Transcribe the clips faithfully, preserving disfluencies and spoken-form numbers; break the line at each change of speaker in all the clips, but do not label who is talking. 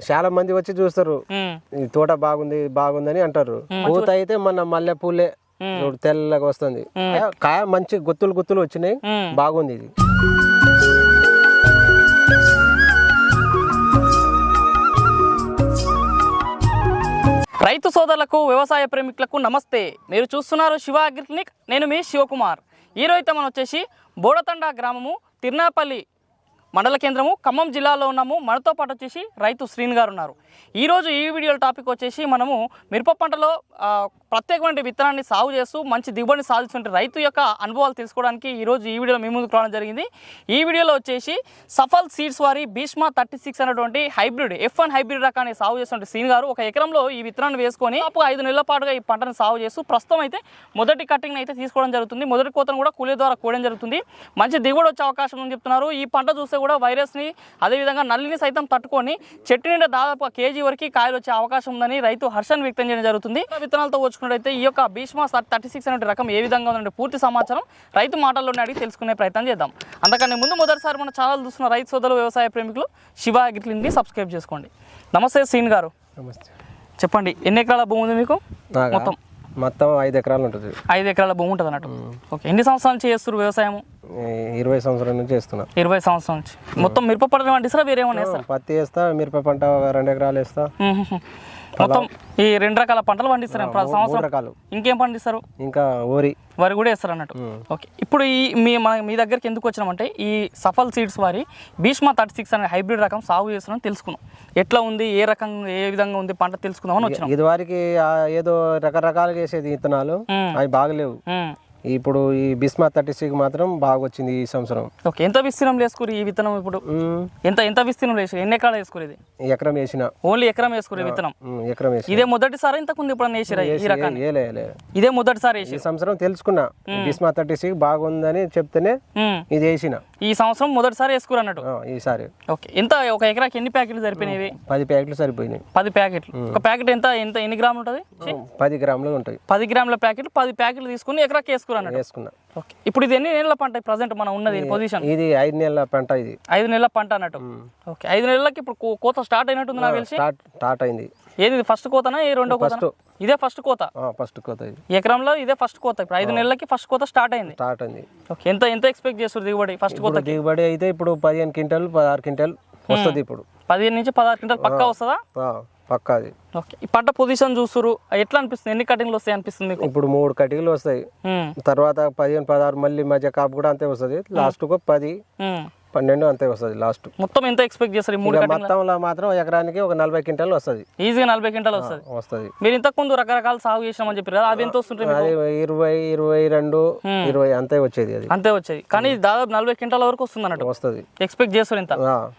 చాలా మంది వచ్చి చూస్తారు, ఈ తోట బాగుంది బాగుందని అంటారు. పూత అయితే మన మల్లె పూలే తెల్లగా వస్తుంది, కాయ మంచి గుత్తులు గుత్తులు వచ్చినాయి, బాగుంది ఇది.
రైతు సోదరులకు వ్యవసాయ ప్రేమికులకు నమస్తే. మీరు చూస్తున్నారు శివ అగ్రి క్లినిక్. నేను మీ శివకుమార్. ఈరోజు అయితే మనం వచ్చేసి బోడతండ గ్రామము, తిర్నాపల్లి మండల కేంద్రము, ఖమ్మం జిల్లాలో ఉన్నాము. మనతో పాటు వచ్చేసి రైతు శ్రీని గారు ఉన్నారు. ఈరోజు ఈ వీడియో టాపిక్ వచ్చేసి మనము మిరప పంటలో ప్రత్యేకమైన విత్తనాన్ని సాగు చేస్తూ మంచి దిగుబడిని సాధించిన రైతు యొక్క అనుభవాలు తెలుసుకోవడానికి ఈరోజు ఈ వీడియోలో మీ ముందుకు రావడం జరిగింది. ఈ వీడియోలో వచ్చేసి సఫల్ సీడ్స్ వారి భీష్మ థర్టీ సిక్స్ అనేటువంటి హైబ్రిడ్ ఎఫ్ వన్ హైబ్రిడ్ రకాన్ని సాగు చేస్తున్న శ్రీని గారు ఒక ఎకరంలో ఈ విత్తనాన్ని వేసుకొని అప్పుడు ఐదు నెలల పాటుగా ఈ పంటను సాగు చేస్తూ ప్రస్తుతం అయితే మొదటి కటింగ్ అయితే తీసుకోవడం జరుగుతుంది. మొదటి కోతను కూడా కూలీ ద్వారా కూడడం జరుగుతుంది. మంచి దిగుబడి వచ్చే అవకాశం ఉందని చెప్తున్నారు. ఈ పంట చూస్తే కూడా వైరస్ని అదేవిధంగా నల్లిని సైతం తట్టుకొని చెట్టు నిండా దాదాపు కేజీ వరకు కాయలు వచ్చే అవకాశం ఉందని రైతు హర్షాన్ని వ్యక్తం చేయడం జరుగుతుంది. విత్తనాలతో వచ్చుకున్నట్టయితే ఈ యొక్క భీష్మ థర్టీ సిక్స్ అనే రకం ఏ విధంగా ఉందంటే పూర్తి సమాచారం రైతు మాటల్లోనే అడిగి తెలుసుకునే ప్రయత్నం చేద్దాం. అందుకని ముందు మొదటిసారి మన ఛానల్ చూస్తున్న రైతు సోదరులు వ్యవసాయ ప్రేమికులు శివ అగ్రి క్లినిక్ని సబ్స్క్రైబ్ చేసుకోండి. నమస్తే శ్రీని గారు.
నమస్తే.
చెప్పండి, ఎన్ని ఎకరాల భూమి ఉంది మీకు? మొత్తం
మొత్తం ఐదు ఎకరాలు ఉంటుంది.
ఐదు ఎకరాల భూమి ఉంటుంది అన్నట్టు. ఓకే, ఎన్ని సంవత్సరాల నుంచి చేస్తారు వ్యవసాయం?
ఇరవై సంవత్సరాల నుంచి చేస్తున్నా.
ఇరవై సంవత్సరాల నుంచి. మొత్తం మిరప పంట పండిస్తారా వేరే ఏమైనా వేస్తారా?
పత్తి వేస్తా, మిరప పంట రెండు ఎకరాలు వేస్తా.
మొత్తం ఈ రెండు రకాల పంటలు పండిస్తారు సంవత్సరం.
రకాలు
ఇంకేం పండిస్తారు?
ఇంకా వరి
వరి కూడా వేస్తారు అన్నట్టు. ఓకే, ఇప్పుడు ఈ మీ మన మీ దగ్గరికి ఎందుకు వచ్చినామంటే ఈ సఫల్ సీడ్స్ వారి భీష్మ థర్టీ సిక్స్ అనే హైబ్రిడ్ రకం సాగు చేస్తున్నామని తెలుసుకున్నాం. ఎట్లా ఉంది, ఏ రకం ఏ విధంగా ఉంది పంట తెలుసుకుందామని వచ్చినాం.
ఇది వారికి ఏదో రకరకాలుగా వేసేది విత్తనాలు అవి బాగలేవు. ఇప్పుడు ఈ భీష్మ థర్టీ సిక్స్ మాత్రం బాగా వచ్చింది ఈ సంవత్సరం.
ఓకే, ఎంత విస్తీర్ణం వేసుకోరు ఈ విత్తనం? ఇప్పుడు ఎంత ఎంత విస్తీర్ణం వేసుకోరు? ఎన్ని ఎకరాలు వేసుకోరు?
ఎకరం వేసిన.
ఓన్లీ ఎకరం వేసుకోరు విత్తనం?
ఎకరం వేసి.
ఇదే మొదటిసారి ఇంతకుముందు ఇప్పుడు వేసిరా ఈ రకాన్ని? ఇదే మొదటిసారి వేసి.
ఈ సంవత్సరం తెలుసుకున్నా భీష్మ థర్టీ సిక్స్ బాగుందని చెప్తేనే ఇది వేసిన.
ఈ సంవత్సరం మొదటిసారి వేసుకోరు అన్నట్టు
ఈసారి.
ఓకే, ఎంత ఒక ఎకరాకి ఎన్ని ప్యాకెట్లు సరిపోయినవి?
పది ప్యాకెట్లు సరిపోయినాయి.
పది ప్యాకెట్లు. ఒక ప్యాకెట్ ఎంత ఎంత ఎన్ని గ్రాములు ఉంటుంది?
పది గ్రాములు ఉంటాయి.
పది గ్రాముల ప్యాకెట్ పది ప్యాకెట్లు తీసుకుని ఎకరాకి వేసుకోరు అన్నట్టు.
వేసుకున్నా.
ఓకే, ఇప్పుడు ఇది ఎన్ని నెలల పంట ప్రజెంట్ మనం ఉన్నది పొజిషన్?
ఇది ఐదు నెలల పంట. ఇది
ఐదు నెలల పంట అన్నట్టు. ఓకే, ఐదు నెలలకి ఇప్పుడు కోత స్టార్ట్ అయినట్టుంది నాకు తెలిసి.
స్టార్ట్ అయింది.
ఏది ఫస్ట్ కోతనా ఈ రెండో కోత? ఇదే ఫస్ట్ కోత.
ఫస్ట్ కోత ఇది.
ఎకరంలో ఇదే ఫస్ట్ కోత. ఇప్పుడు ఐదు నెలలకి ఫస్ట్ కోత స్టార్ట్ అయింది.
స్టార్ట్ అయింది.
ఓకే, ఎంత ఎంత ఎక్స్పెక్ట్ చేస్తారు దిగుబడి ఫస్ట్ కోత?
దిగుబడి అయితే ఇప్పుడు పదిహేను క్వింటల్ పదహారు క్వింటల్ వస్తుంది. ఇప్పుడు
పదిహేను నుంచి పదహారు క్వింటల్ పక్కా వస్తుందా?
పక్కా. అది
ఓకే, ఈ పంట పొజిషన్ చూస్తారు ఎట్లా అనిపిస్తుంది? ఎన్ని కటింగ్లు వస్తాయి అనిపిస్తుంది మీకు?
ఇప్పుడు మూడు కటింగ్లు వస్తాయి. తర్వాత పదిహేను పదహారు మళ్ళీ మధ్య కాపు కూడా అంతే వస్తుంది. లాస్ట్ కు పది పన్నెండు అంతే వస్తుంది లాస్ట్.
మొత్తం ఎంత ఎక్స్పెక్ట్ చేస్తారు? మూడు
మొత్తంలో మాత్రం ఎకరానికి ఒక నలభై క్వింటాల్ వస్తుంది.
ఈజీగా నలభై క్వింటాల్ వస్తుంది.
వస్తుంది.
మీరు ఇంతకు ముందు రకరకాల సాగు చేసినామని చెప్పారు కదా, అవి ఎంత వస్తుంటాయి?
అది ఇరవై ఇరవై రెండు ఇరవై అంతే వచ్చేది. అది
అంతే వచ్చేది. కానీ దాదాపు నలభై క్వింటాల వరకు వస్తుంది అన్నట్టు
వస్తుంది.
ఎక్స్పెక్ట్ చేస్తారు ఇంత?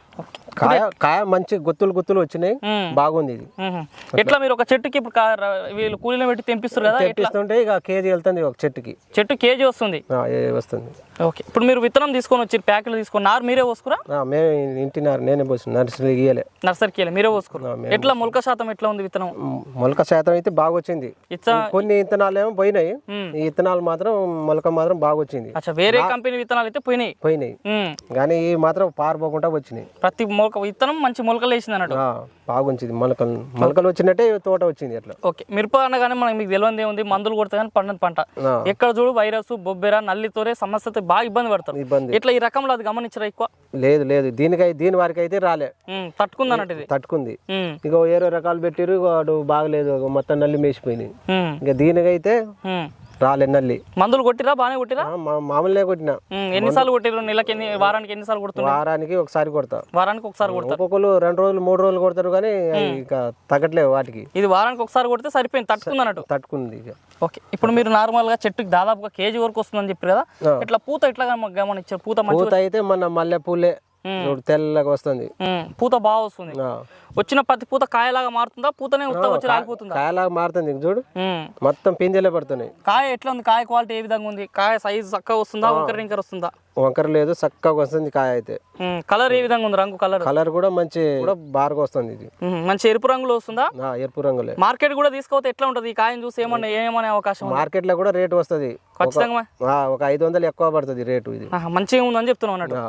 కాయ కాయ మంచి గుత్తులు గుత్తులు వచ్చినాయి, బాగుంది ఇది.
ఎట్లా మీరు ఒక చెట్టుకి ఇప్పుడు వీళ్ళు కూలీలో పెట్టి తెంపిస్తారు కదా,
తెంపిస్తుంటే ఇక కేజీ వెళ్తుంది ఒక చెట్టుకి.
చెట్టు కేజీ వస్తుంది
వస్తుంది.
ఓకే, ఇప్పుడు మీరు విత్తనం తీసుకొని వచ్చి ప్యాకెట్లు తీసుకొని నారు మీరే పోసుకురా?
మేము ఇంటి నారు నేనే పోసు. నర్సరీ గీయలే.
నర్సరీకి వెళ్ళి మీరే పోసుకురా? ఎట్లా మొలక శాతం ఎట్లా ఉంది విత్తనం?
మొలక శాతం అయితే బాగా వచ్చింది. కొన్ని విత్తనాలు ఏమో పోయినాయి, ఈ విత్తనాలు మాత్రం మొలక మాత్రం బాగా వచ్చింది.
వేరే కంపెనీ విత్తనాలు అయితే పోయినాయి
పోయినాయి కానీ ఈ మాత్రం పారిపోకుండా వచ్చినాయి.
ప్రతి మొలక విత్తనం మంచి మొలకలు వేసింది అన్నట్టు.
బాగుంది. మొలకలు మొలకలు వచ్చినట్టే తోట వచ్చింది అట్లా.
ఓకే, మిరప అనగానే మనకి మీకు తెలియదు ఏముంది, మందులు కొడితే కానీ పండని పంట. ఎక్కడ చూడు వైరస్ బొబ్బెర నల్లితోనే సమస్యతో బాగా ఇబ్బంది పడతారు. ఇబ్బంది ఇట్లా ఈ రకంలో అది గమనించరా ఎక్కువ?
లేదు లేదు, దీనికై దీని వారికి అయితే రాలే.
తట్టుకుంది అన్నట్టు. ఇది తట్టుకుంది.
ఇక వేరే రకాలు పెట్టిరు, వాడు బాగలేదు, మొత్తం నల్లి మేసిపోయినాయి. ఇక దీనికైతే రాలే నల్లి.
మందులు కొట్టిరా? బాగానే కొట్టిరా?
మామూలుగా కొట్టినా.
ఎన్నిసార్లు కొట్టిరు? నెలకి ఎన్ని, వారానికి ఎన్నిసార్లు కొడుతున్నారు?
వారానికి ఒకసారి కొడతా.
వారానికి ఒకసారి కొడతారు.
ఒక్కొక్కరు రెండు రోజులు మూడు రోజులు కొడతారు కానీ ఇక తగ్గట్లేదు వాటికి.
ఇది వారానికి ఒకసారి కొడితే సరిపోయింది, తట్టుకుంది అన్నట్టు.
తట్టుకుంది. ఇక
ఓకే, ఇప్పుడు మీరు నార్మల్ గా చెట్టుకి దాదాపుగా కేజీ వరకు వస్తుందని చెప్పారు కదా, ఇట్లా పూత ఎట్లా గమనించారు? పూత పూత
అయితే మన మల్లె పూలే తెల్లగా వస్తుంది,
పూత బాగా వస్తుంది. వచ్చిన ప్రతి పూత కాయలాగా మారుతుందా? పూతనే వచ్చి రాలిపోతుందా?
కాయలాగా మారుతుంది. చూడు మొత్తం పిందెలే పడుతున్నాయి.
కాయ ఎట్లా ఉంది? కాయ క్వాలిటీ ఏ విధంగా ఉంది? కాయ సైజ్ చక్కగా వస్తుందా? వంకర రింకర వస్తుందా?
వంకర లేదు, చక్కగా వస్తుంది కాయ అయితే.
కలర్ ఏ విధంగా ఉంది? రంగు కలర్
కలర్ కూడా మంచి బాగా వస్తుంది. ఇది
మంచి ఎరుపు రంగులో వస్తుందా?
ఎరుపు రంగులే.
మార్కెట్ కూడా తీసుకోతే ఎట్లా ఉంటది? ఈ కాయను చూసి ఏమన్నా ఏమనే అవకాశం?
మార్కెట్ లో కూడా రేటు వస్తుంది ఖచ్చితంగా. ఒక ఐదు వందలు ఎక్కువ పడుతుంది రేటు. ఇది
మంచిగా ఉందని చెప్తున్నావు అన్నట్టు.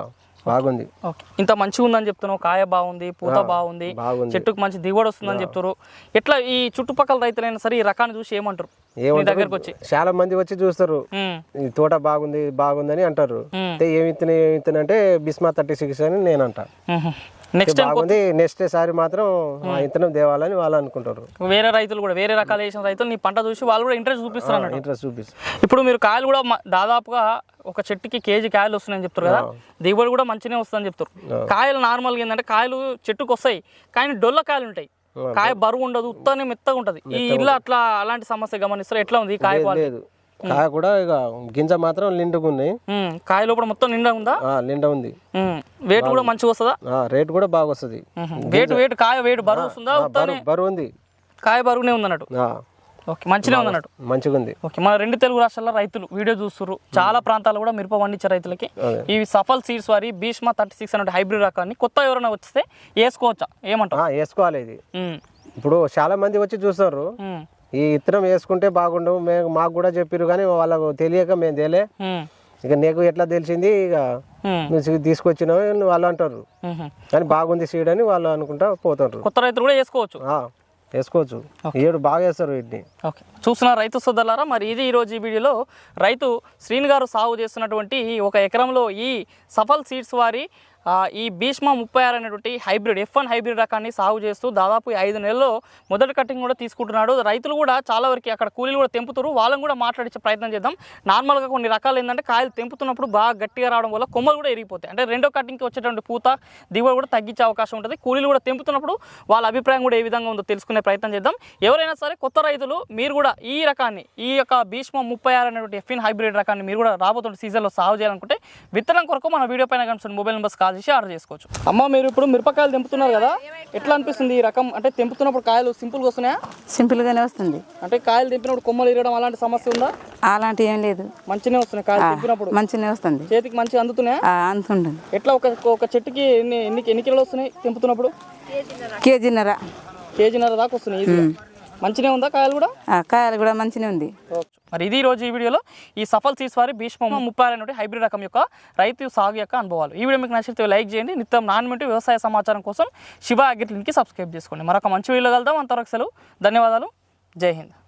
బాగుంది.
ఓకే, ఇంత మంచిగా ఉందని చెప్తున్నావు, కాయ బాగుంది, పూత బాగుంది,
బాగుంది,
చెట్టుకు మంచి దిగుబడి వస్తుందని చెప్తారు. ఎట్లా ఈ చుట్టుపక్కల రైతులైనా సరే ఈ రకాన్ని చూసి ఏమంటారు? దగ్గరకు వచ్చి
చాలా మంది వచ్చి చూస్తారు, ఈ తోట బాగుంది బాగుందని అంటారు. ఏమి ఇత్తనం ఏమి ఇత్తనం అంటే బిస్మా థర్టీ సిక్స్ అని నేను అంటా.
నెక్స్ట్
బాగుంది, నెక్స్ట్ సారి మాత్రం ఆ ఇత్తనం దేవాలని వాళ్ళు అనుకుంటారు.
వేరే రైతులు కూడా వేరే రకాలు వేసిన రైతులు నీ పంట చూసి వాళ్ళు కూడా ఇంట్రెస్ట్ చూపిస్తారు.
ఇంట్రెస్ట్ చూపిస్తారు.
ఇప్పుడు మీరు కాయలు కూడా దాదాపుగా ఒక చెట్టుకి కేజీ కాయలు వస్తున్నాయని చెప్తారు కదా, దిగుబడి కూడా మంచిగానే వస్తుందని చెప్తారు. కాయలు నార్మల్గా ఏంటంటే కాయలు చెట్టుకు వస్తాయి కానీ డొల్ల కాయలు ఉంటాయి, కాయ బరువు ఉండదు, ఉత్తనే మెత్తగా ఉంటది. ఈ ఇల్లు అట్లా అలాంటి సమస్య గమనిస్తారు. ఎట్లా ఉంది కాయ?
లేదు, కాయ కూడా ఇక గింజ మాత్రం నిండుగా ఉన్నాయి.
కాయ లోపల మొత్తం నిండా ఉందా?
నిండా ఉంది.
వెయిట్ కూడా మంచిగా వస్తుందా?
రేట్ కూడా బాగా వస్తుంది.
వెయిట్ వెయిట్ కాయ వెయిట్ బరువు వస్తుందా?
బరువు ఉంది,
కాయ బరువునే ఉంది అన్నట్టు. ఓకే, మంచిగా ఉంది అన్నట్టు.
మంచిగా ఉంది.
ఓకే, మన రెండు తెలుగు రాష్ట్రాల రైతులు వీడియో చూస్తున్నారు, చాలా ప్రాంతాలు కూడా మిరప పండించే రైతులకి ఇవి సఫల్ సీడ్స్ వారి భీష్మ థర్టీ సిక్స్ అనే హైబ్రిడ్ రకాన్ని కొత్త ఎవరైనా వస్తే వేసుకోవచ్చా? ఏమంటారు?
వేసుకోవాలి. ఇది ఇప్పుడు చాలా మంది వచ్చి చూస్తారు, ఈ ఇత్తనం వేసుకుంటే బాగుండు మేము మాకు కూడా చెప్పారు కానీ వాళ్ళకు తెలియక మేము తెలియ, ఇక నీకు ఎట్లా తెలిసింది ఇక నువ్వు తీసుకొచ్చినావు వాళ్ళు అంటారు. కానీ బాగుంది సీడ్ అని వాళ్ళు అనుకుంటా పోతారు.
కొత్త రైతులు కూడా వేసుకోవచ్చు
వేసుకోవచ్చు ఏడు బాగా వేస్తారు వీటిని.
ఓకే, చూస్తున్న రైతు సోదరులారా, మరి ఇది ఈరోజు ఈ వీడియోలో రైతు శ్రీని గారు సాగు చేస్తున్నటువంటి ఒక ఎకరంలో ఈ సఫల్ సీడ్స్ వారి ఈ భీష్మ ముప్పై ఆరు అనేటువంటి హైబ్రిడ్ ఎఫ్ వన్ హైబ్రిడ్ రకాన్ని సాగు చేస్తూ దాదాపు ఐదు నెలల్లో మొదటి కటింగ్ కూడా తీసుకుంటున్నాడు. రైతులు కూడా చాలా వరకు అక్కడ కూలీలు కూడా తెంపుతారు, వాళ్ళని కూడా మాట్లాడించే ప్రయత్నం చేద్దాం. నార్మల్గా కొన్ని రకాలు ఏంటంటే కాయలు తెంపుతున్నప్పుడు బాగా గట్టిగా రావడం వల్ల కొమ్మలు కూడా ఎరిగిపోతాయి, అంటే రెండో కటింగ్కి వచ్చేటువంటి పూత దిగుబడి కూడా తగ్గించే అవకాశం ఉంటుంది. కూలీలు కూడా తెంపుతున్నప్పుడు వాళ్ళ అభిప్రాయం కూడా ఏ విధంగా ఉందో తెలుసుకునే ప్రయత్నం చేద్దాం. ఎవరైనా సరే కొత్త రైతులు మీరు కూడా ఈ రకాన్ని ఈ యొక్క భీష్మ ముప్పై ఆరు అనేటువంటి ఎఫ్ వన్ హైబ్రిడ్ రకాన్ని మీరు కూడా రాబోతున్న సీజన్లో సాగు చేయాలనుకుంటే విత్తనం కొరకు మన వీడియో పైన కనిపిస్తున్న మొబైల్ నెంబర్స్ కాల్ చేసి ఆర్డర్ చేసుకోవచ్చు. అమ్మ, మీరు ఇప్పుడు మిరపకాయలు తెంపుతున్నారు కదా, ఎట్లా అనిపిస్తుంది ఈ రకం? అంటే తెంపుతున్నప్పుడు కాయలు సింపుల్గా వస్తున్నాయా?
సింపుల్గానే వస్తుంది.
అంటే కాయలు తెంపినప్పుడు కొమ్మలు ఇరగడం అలాంటి సమస్య ఉందా?
అలాంటి ఏం లేదు,
మంచిగానే వస్తున్నాయి కాయలు తెంపినప్పుడు.
మంచిగానే వస్తుంది,
చేతికి మంచిగా అందుతున్నాయా?
అందుతుంది.
ఎట్లా ఒక ఒక చెట్టుకి ఎన్ని ఎన్ని ఎన్ని కిలోలు వస్తున్నాయి తెంపుతున్నప్పుడు?
కేజీన్నర
కేజీన్నర దాకా వస్తున్నాయి. మంచిగా ఉందా కాయలు కూడా?
కాయలు కూడా మంచిగా ఉంది.
మరి ఇది రోజు ఈ వీడియోలో ఈ సఫల్ సీడ్స్ వారి భీష్మ ముప్పై ఆరు అనేటువంటి హైబ్రిడ్ రకం యొక్క రైతు సాగు యొక్క అనుభవాలు. ఈ వీడియో మీకు నచ్చితే లైక్ చేయండి. నిత్యం నాణ్యమైన వ్యవసాయ సమాచారం కోసం శివ అగ్రిక్లినిక్కి సబ్స్క్రైబ్ చేసుకోండి. మరొక మంచి వీడియోలో కలుద్దాం. అంతవరకు సెలవు, ధన్యవాదాలు, జై హింద్.